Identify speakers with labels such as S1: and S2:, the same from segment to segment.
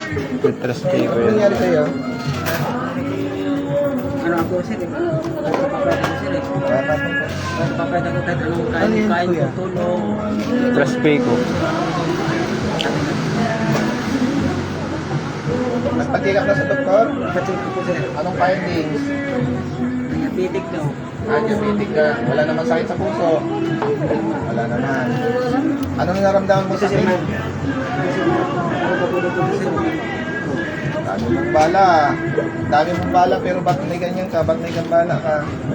S1: Matras ko
S2: Ano
S1: yan.
S2: nangyari sa'yo?
S3: Ano ako sir eh. Nagpapapayat ako sir eh. Nagpapapayat ako kahit anong
S2: Ano yan,
S3: kain
S2: kuya?
S3: ko, tulong.
S1: Matras ko.
S2: Nagpa-check up na sa doktor?
S3: Pacheck ko po sir.
S2: Anong findings?
S3: Diabetic daw.
S2: Diabetic ka. Wala naman sakit sa puso. Wala naman. Anong naramdaman mo sa
S3: Kasi
S2: sakit?
S3: ano pa po po sir.
S2: Dami mong bala. Dami mong bala pero ba't may ganyan ka? Ba't may gambala ka?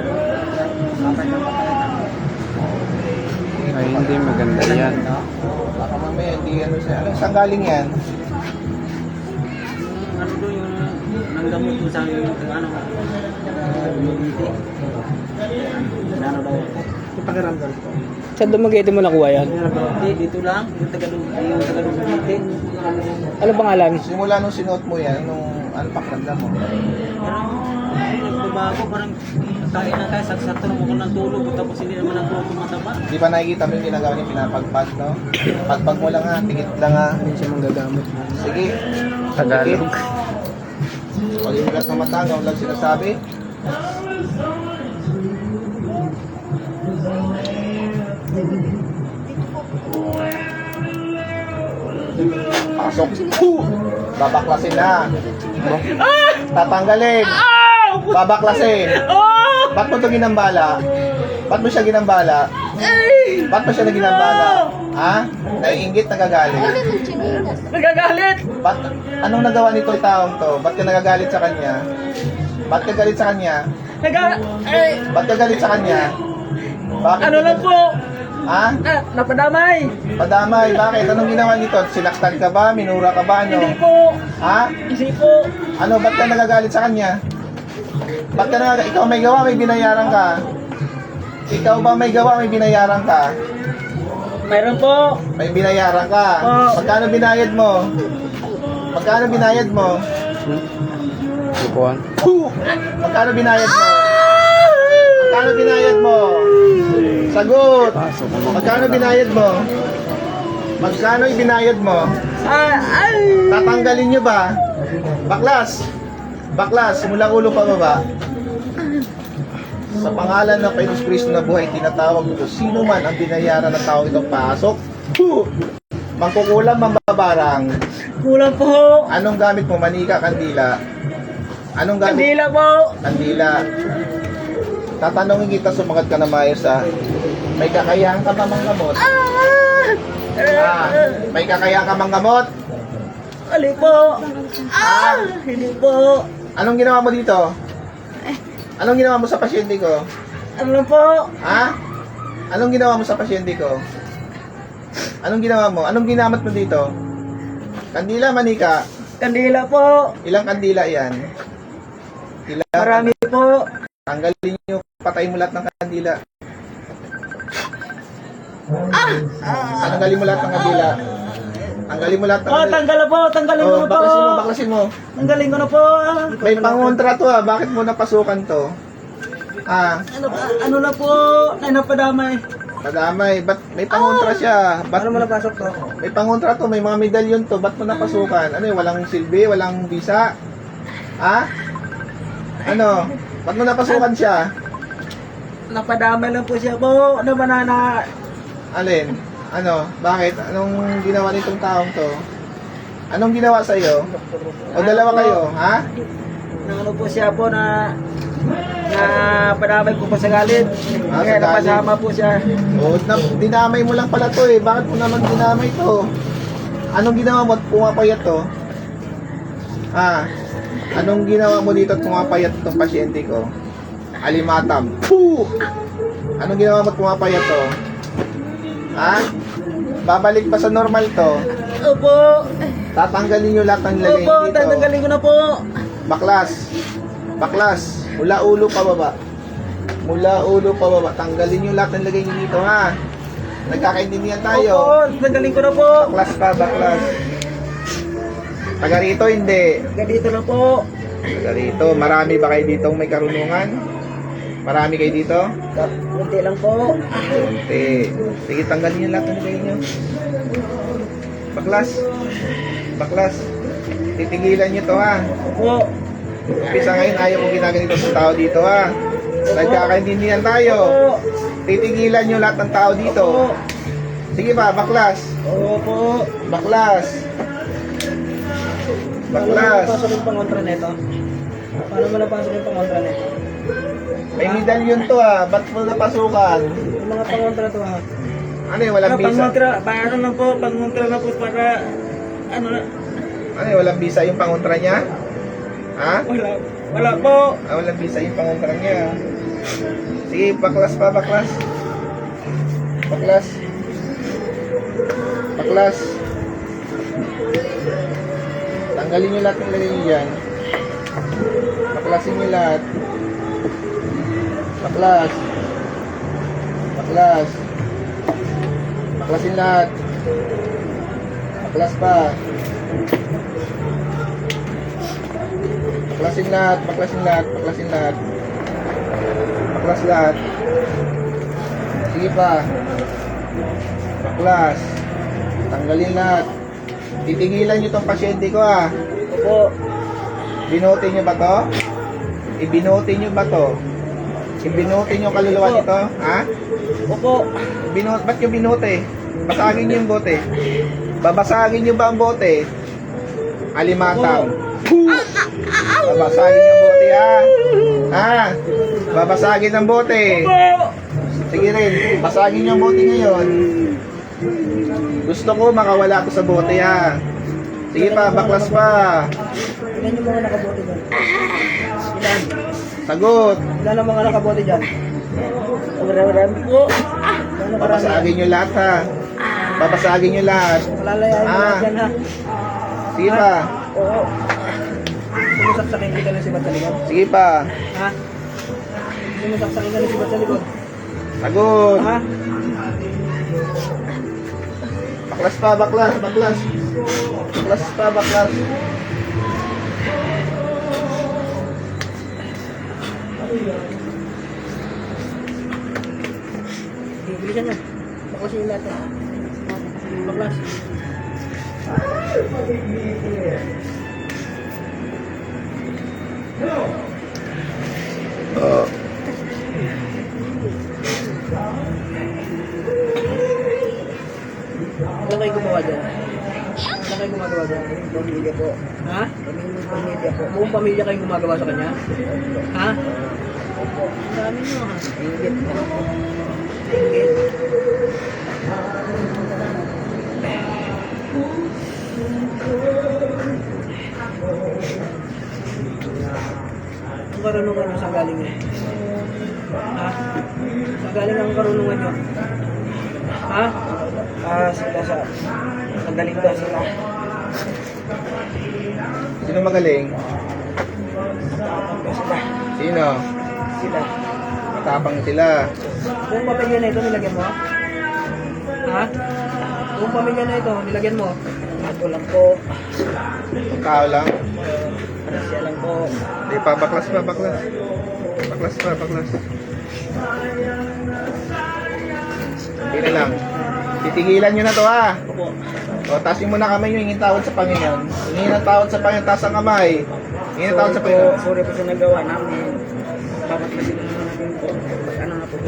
S1: Ay, hindi maganda yan.
S2: Baka mamaya hindi ano siya. Ano, saan galing yan?
S3: Ano daw yung nanggamot ko sa yung ano. Diabetic. Ano daw. Yung pakiramdam ko.
S4: Saan Dumaguete mo nakuha yan?
S3: Hindi, dito lang. Yung Tagalog.
S4: Ano pangalan?
S2: Simula nung sinuot mo yan, nung ano pakiramdam mo?
S3: Parang nagbabago, parang kain na tayo, saksato na mo ng tulog, tapos hindi naman ako tumataba.
S2: Di ba nakikita mo yung ginagawa niya pinapagpag, no? Pagpag mo lang ha, tigit lang ha.
S4: Hindi siya manggagamot.
S2: Sige.
S1: Tagalog.
S2: Pag yung ugat ng mata, gawin lang sinasabi. Pasok. Babaklasin na. Tatanggalin. Babaklasin. Ba't mo ito ginambala? Ba't mo siya ginambala? Ba't mo siya naginambala? Ha? Naiingit, nagagalit?
S4: Nagagalit!
S2: Ba't, anong nagawa nito yung taong to? Ba't ka nagagalit sa kanya? Ba't ka galit sa kanya? Ba't ka galit sa kanya? Bakit?
S4: Ano lang po?
S2: Ha?
S4: Napadamay!
S2: Padamay, bakit? Anong ginawa nito? Sinaktan ka ba? Minura ka ba? Ano?
S4: Hindi po!
S2: Ha?
S4: Hindi po!
S2: Ano? Ba't ka nagagalit sa kanya? Ba't ka nagagalit? Ikaw may gawa, may binayaran ka. Ikaw ba may gawa, may binayaran ka?
S4: Mayroon po!
S2: May binayaran ka. Magkano binayad mo? Magkano binayad mo?
S1: Sukuan.
S2: Magkano binayad mo? Magkano binayad mo? Sagot! Magkano binayad mo? Magkano ibinayad mo? Tatanggalin nyo ba? Baklas! Baklas, mula ulo pa baba. Sa pangalan ng Panginoon Kristo na buhay, tinatawag ko sino man ang binayaran ng tao itong pasok. Mangkukulam, mambabarang.
S4: Kulang po!
S2: Anong gamit mo? Manika, kandila. Anong gamit?
S4: Kandila po!
S2: Kandila. Tatanungin kita, sumagat ka na maayos ha. May kakayahan ka ba manggamot? May kakayahan ka manggamot?
S4: Ali po! Hindi po!
S2: Anong ginawa mo dito? Anong ginawa mo sa pasyente ko?
S4: Ano lang po?
S2: Ha? Anong ginawa mo sa pasyente ko? Anong ginawa mo? Anong ginamit mo dito? Kandila, manika.
S4: Kandila po!
S2: Ilang kandila yan? Ilang?
S4: Marami po!
S2: Tanggalin nyo, patay mo lahat ng kandila. Tanggalin mo lahat ng kandila. Tanggalin mo lahat ng kandila.
S4: Tanggal na po! Tanggalin ko na po!
S2: Baklasin mo, baklasin mo.
S4: Tanggalin ko na po!
S2: May pangontra to ha, bakit mo napasukan to?
S4: Ano na po? Ay, napadamay.
S2: Madamay, ba't may pangontra siya? Ba't
S4: Ano mo napasok to?
S2: may pangontra to, may mga medalyon to, ba't mo napasukan? Ano yun, walang silbi, walang visa? Ha? Ano? Ba't mo napasukan siya?
S4: Napadamay lang po siya po. Ano ba na
S2: Alin? Ano? Bakit? Anong ginawa nitong taong to? Anong ginawa sa iyo? O dalawa kayo, ha?
S4: ano po siya po na padamay ko po sa galit.
S2: Ah,
S4: Kaya
S2: sa galit.
S4: napasama po siya.
S2: O, dinamay mo lang pala to eh. Bakit mo naman dinamay to? Anong ginawa mo at pumapayat to? Anong ginawa mo dito at pumapayat itong pasyente ko? Alimatam. Puh! Anong ginawa mo at pumapayat to? Ha? Babalik pa sa normal to?
S4: Opo.
S2: Tatanggalin nyo lahat ng lagay
S4: Opo,
S2: dito.
S4: tatanggalin ko na po.
S2: Baklas. Baklas. Mula ulo pa baba. Mula ulo pa baba. Tanggalin nyo lahat ng lagay nyo dito ha. Nagkakaintindihan tayo.
S4: Opo, tatanggalin ko na po.
S2: Baklas pa, baklas. Taga rito, hindi.
S4: Ganito na po.
S2: Taga rito. Marami ba kayo dito may karunungan? Marami kayo dito?
S4: Kunti lang po.
S2: Konti. Sige, tanggalin nyo lahat ng lagay nyo. Baklas. Baklas. Titigilan nyo to ha.
S4: Opo.
S2: Umpisa ngayon, ayaw ko ginaganito sa tao dito ha. Nagkakaintindihan tayo.
S4: Opo.
S2: Titigilan nyo lahat ng tao dito.
S4: Opo.
S2: Sige ba, baklas.
S4: Opo.
S2: Baklas.
S4: Paano mo
S2: Baklas.
S4: napasok yung pangontra nito? Paano mo napasok yung pangontra nito?
S2: May medalyon to ha. Ba't mo napasukan?
S4: Yung mga pangontra to ha?
S2: Ano yun, walang visa?
S4: Pangontra, paano na po? Pangontra na po para, ano na?
S2: Ano yun, walang visa yung pangontra niya? Ha?
S4: Wala po.
S2: Ah, walang visa yung pangontra niya. Sige, baklas pa, baklas. Baklas. Baklas. Tanggalin nyo lahat ng lagay nyo dyan. Baklasin nyo lahat. Baklas. Baklas. Baklasin lahat. Baklas pa. Baklasin lahat. Baklasin lahat. Baklasin lahat. Baklas lahat. Sige pa. Baklas. Tanggalin lahat. Titigilan nyo tong pasyente ko ah.
S4: Opo.
S2: Binote nyo ba to? Ibinote nyo ba to? Ibinote nyo kaluluwa nito? Ha?
S4: Opo.
S2: Ba't nyo binote? Basagin nyo yung bote. Babasagin nyo ba ang bote? Alimatang. Babasagin yung bote ha? Ha? Babasagin ang bote. Sige rin, basagin yung bote ngayon. Gusto ko makawala ko sa bote ha. Sige pa, baklas pa.
S4: Ilan yung mga nakabote dyan? Ilan?
S2: Sagot.
S4: Ilan ang mga nakabote dyan? Marami po. Gano'ng karami?
S2: Babasagin nyo lahat ha. Babasagin nyo lahat.
S4: Malalayain mo lahat dyan ha?
S2: Sige pa.
S4: Oo. Sumusaksakin kita ng sibat sa likod.
S2: Sige pa.
S4: Ha? Sumusaksakin ka ng sibat sa likod.
S2: Sagot.
S4: Ha?
S2: Baklas pa, baklas, baklas. Baklas pa, baklas.
S4: Bilisan nyo. Baklasin yung lahat. Baklas. Ano kayo gumawa dyan? Ano kayo gumagawa dyan? Pamilya po. Ha? Pamilya po. Buong pamilya kayong gumagawa sa kanya? Ha? Ang dami nyo ha? Ingit. Ingit. Ang karunungan nyo sa galing nyo? Ha? Sa galing ang karunungan nyo? Ha? Sila sa magaling daw sila.
S2: Sino magaling?
S4: Sila.
S2: Sino?
S4: Sila.
S2: Matapang sila.
S4: Kung pamilya na ito, nilagyan mo? Ha? Kung pamilya na ito, nilagyan mo? Ako lang po.
S2: Tao lang.
S4: Siya lang po.
S2: Hindi pa, baklas pa, baklas. Baklas pa, baklas. Hindi na lang. Titigilan nyo na to ha.
S4: Opo.
S2: O, tasin mo na kamay nyo, hingin tawad sa Panginoon. Hingin ang tawad sa Panginoon, taas ang kamay. Hingin ang tawad sa Panginoon.
S4: Sorry po sa nagawa namin. Papaklasin na natin po. Ano na po po.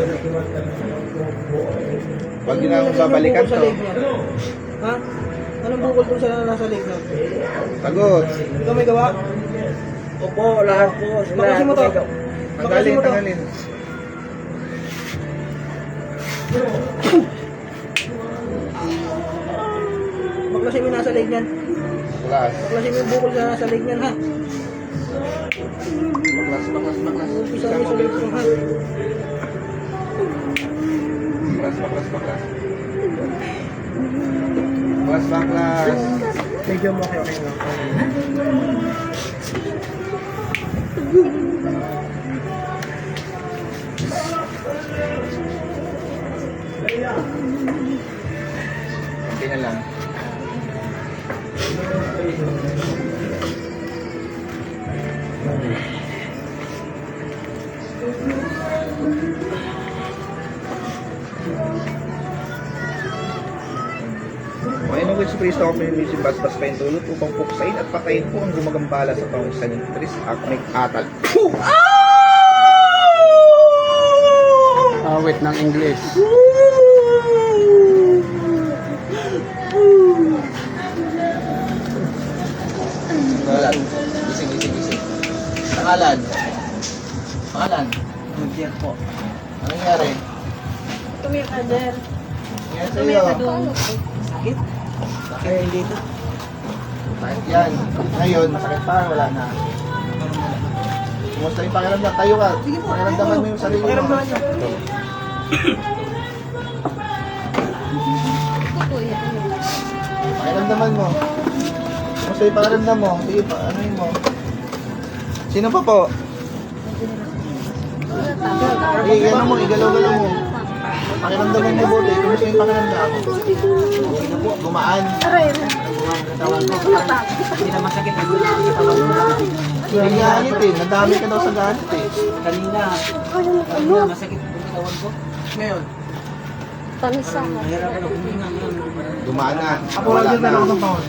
S2: Huwag nyo na babalikan to.
S4: Ha? Anong bukol doon sa nasa leg na?
S2: Sagot.
S4: Ikaw may gawa? Opo, lahat po. Baklasin mo to. Baklasin
S2: Tanggalin,
S4: mo to.
S2: tanggalin.
S4: Baklasin mo yung nasa leg niyan.
S2: Baklas.
S4: Baklasin mo yung bukol sa nasa leg niyan ha.
S2: Baklas, baklas, baklas.
S4: Umpisa mo sa leg mo ha.
S2: Baklas, baklas, baklas. Baklas, baklas.
S4: Medyo mo okay lang.
S2: Okay na lang. O, anong gusto Yesu Cristo ang pinimisin basbas pa yung tulot upang puksain at patayin po ang gumagambala sa pangusan ng Tris at may atal.
S1: Awit ng English.
S2: Pangalan. Gising. Pangalan.
S3: Mag-check po.
S2: Ano nangyari?
S4: Tumira ka, Jer.
S2: Nangyari
S4: Tumira ka
S2: sa'yo?
S4: doon.
S3: Sakit? Sakit dito.
S2: Sakit yan. Ngayon, masakit pa, wala na. Kumusta yung pakiramdam? Tayo ka.
S3: Sige po.
S2: Pakiramdaman mo yung sarili mo.
S3: Pakiramdaman niyo.
S2: Pakiramdaman mo. Kumusta yung pakiramdam mo? Sige pa, ano yun mo? Sino pa po? Sige, ano mo, igalaw-galaw mo. Pakiramdaman mo buti. Kumusta yung pakiramdam? Okay na po, gumaan.
S3: Katawan ko. Hindi na masakit.
S2: Galit eh. Nadami ka daw sa galit eh.
S3: Kanina masakit yung katawan ko. Ngayon, mahirap ako huminga ngayon.
S2: Gumaan na.
S3: Ako
S2: Wala
S3: lang din
S2: na.
S3: ng pause.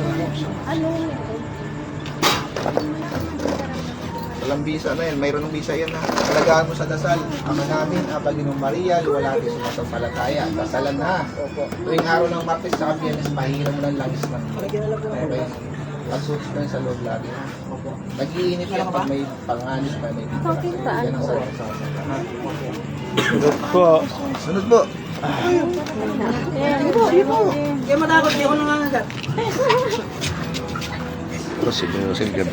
S2: Walang visa na yan. Mayroon ng visa yan ha. Alagaan mo sa dasal. Ama namin, Aba Ginoong Maria, luwalhati sumasampalataya. Dasalan na. Tuwing araw ng Martes sa Biyernes, pahiram mo ng langis ng okay. Pagsuot ko sa loob lagi. Nag-iinit yan pag may panganis pa. May yan ang sarap sa
S1: Sunod po.
S2: Sunod po.
S3: Kaya matakot, hindi ako nangangagat.
S1: Ito si Joseph Gabi.